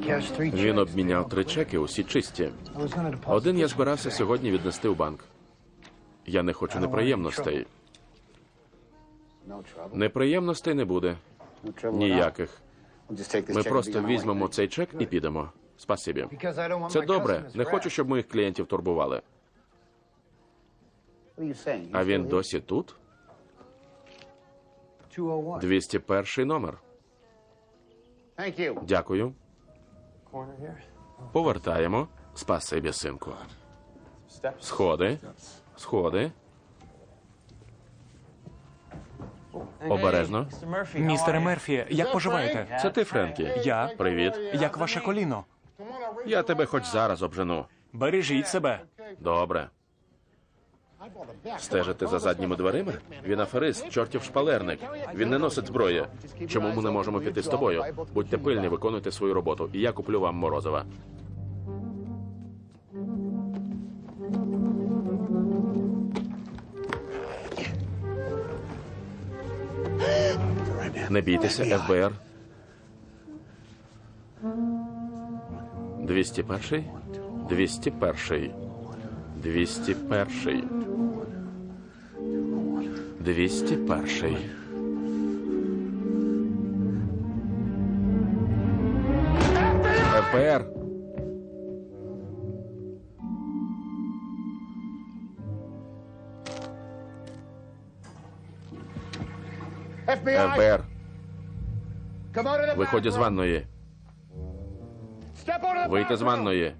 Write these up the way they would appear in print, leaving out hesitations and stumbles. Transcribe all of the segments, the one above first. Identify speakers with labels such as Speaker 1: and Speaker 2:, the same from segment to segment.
Speaker 1: Він обміняв 3 чеки, усі чисті. Один я збирався сьогодні віднести в банк. Я не хочу неприємностей. Неприємностей не буде. Ніяких. Ми просто візьмемо цей чек і підемо. Спасибі. Це добре. Не хочу, щоб моїх клієнтів турбували. А він досі тут? 201 номер. Дякую. Повертаємо. Спасибі, синку. Сходи. Сходи. Обережно.
Speaker 2: Містере Мерфі, як поживаєте?
Speaker 1: Це ти, Френкі?
Speaker 2: Я.
Speaker 1: Привіт.
Speaker 2: Як ваше коліно?
Speaker 1: Я тебе хоч зараз обжену.
Speaker 2: Бережіть себе.
Speaker 1: Добре. Стежити за задніми дверима? Він аферист, чортів шпалерник. Він не носить зброї. Чому ми не можемо піти з тобою? Будьте пильні, виконуйте свою роботу, і я куплю вам морозива. Не бійтеся, ФБР. 201? 201. 201. 201. ФБР. ФБР. Виходь з ванної. Вийти з ванної.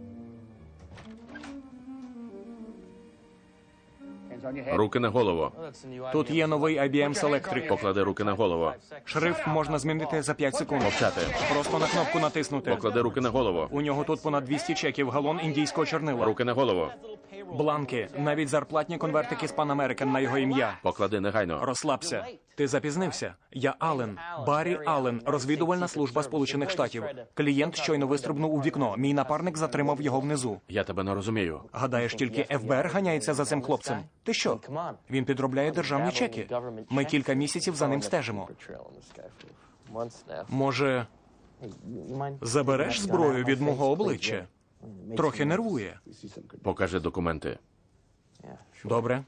Speaker 1: Руки на голову.
Speaker 2: Тут є новий IBM Selectric.
Speaker 1: Поклади руки на голову.
Speaker 2: Шрифт можна змінити за 5 секунд.
Speaker 1: Мовчати.
Speaker 2: Просто на кнопку натиснути.
Speaker 1: Поклади руки на голову.
Speaker 2: У нього тут понад 200 чеків, галон індійського чорнила.
Speaker 1: Руки на голову.
Speaker 2: Бланки, навіть зарплатні конвертики з Pan American на його ім'я.
Speaker 1: Поклади негайно.
Speaker 2: Розслабся. Ти запізнився. Я Аллен. Баррі Аллен, розвідувальна служба Сполучених Штатів. Клієнт щойно вистрибнув у вікно. Мій напарник затримав його внизу.
Speaker 1: Я тебе не розумію.
Speaker 2: Гадаєш, тільки ФБР ганяється за цим хлопцем? Ти що? Він підробляє державні чеки. Ми кілька місяців за ним стежимо. Може, забереш зброю від мого обличчя? Трохи нервує.
Speaker 1: Покажи документи.
Speaker 2: Добре.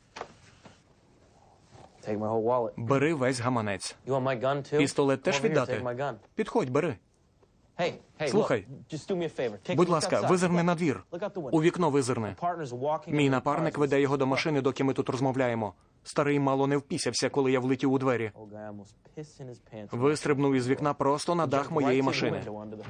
Speaker 2: Бери весь гаманець. Пістолет теж віддати? Підходь, бери. Слухай, будь ласка, визирни на двір. У вікно визирни. Мій напарник веде його до машини, доки ми тут розмовляємо. Старий мало не впісявся, коли я влетів у двері. Вистрибнув із вікна просто на дах моєї машини.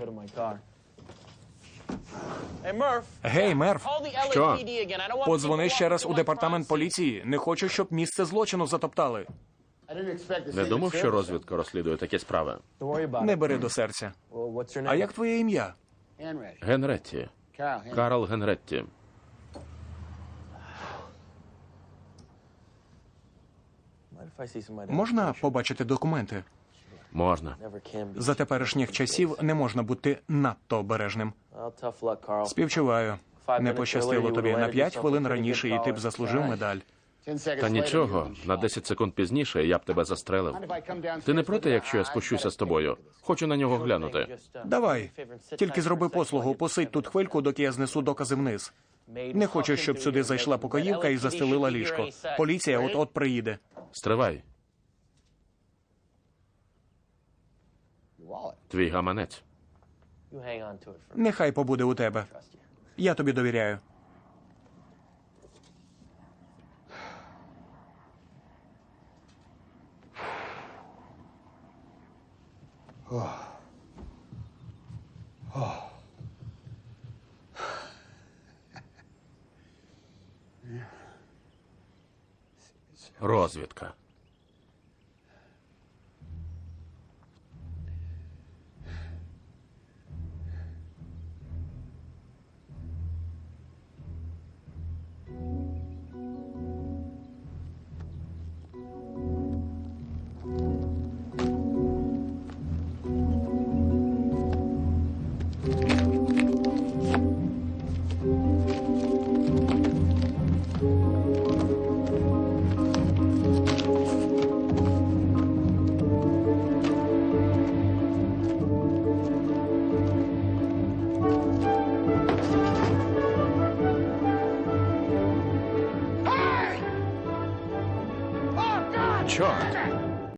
Speaker 2: Гей, Мерф,
Speaker 1: Що?
Speaker 2: подзвони ще раз у департамент поліції. Не хочу, щоб місце злочину затоптали.
Speaker 1: Не думав, що розвідка розслідує такі справи.
Speaker 2: Не бери до серця. А як твоє ім'я?
Speaker 1: Генретті. Карл Генретті.
Speaker 2: Можна побачити документи?
Speaker 1: Можна.
Speaker 2: За теперішніх часів не можна бути надто обережним. Співчуваю. Не пощастило тобі. На 5 хвилин раніше, і ти б заслужив медаль.
Speaker 1: Та нічого, на 10 секунд пізніше я б тебе застрелив. Ти не проти, якщо я спущуся з тобою? Хочу на нього глянути.
Speaker 2: Давай. Тільки зроби послугу, посидь тут хвильку, доки я знесу докази вниз. Не хочу, щоб сюди зайшла покоївка і застелила ліжко. Поліція от-от приїде.
Speaker 1: Стривай. Твій гаманець.
Speaker 2: Нехай побуде у тебе. Я тобі довіряю.
Speaker 1: Розвідка. Чорт.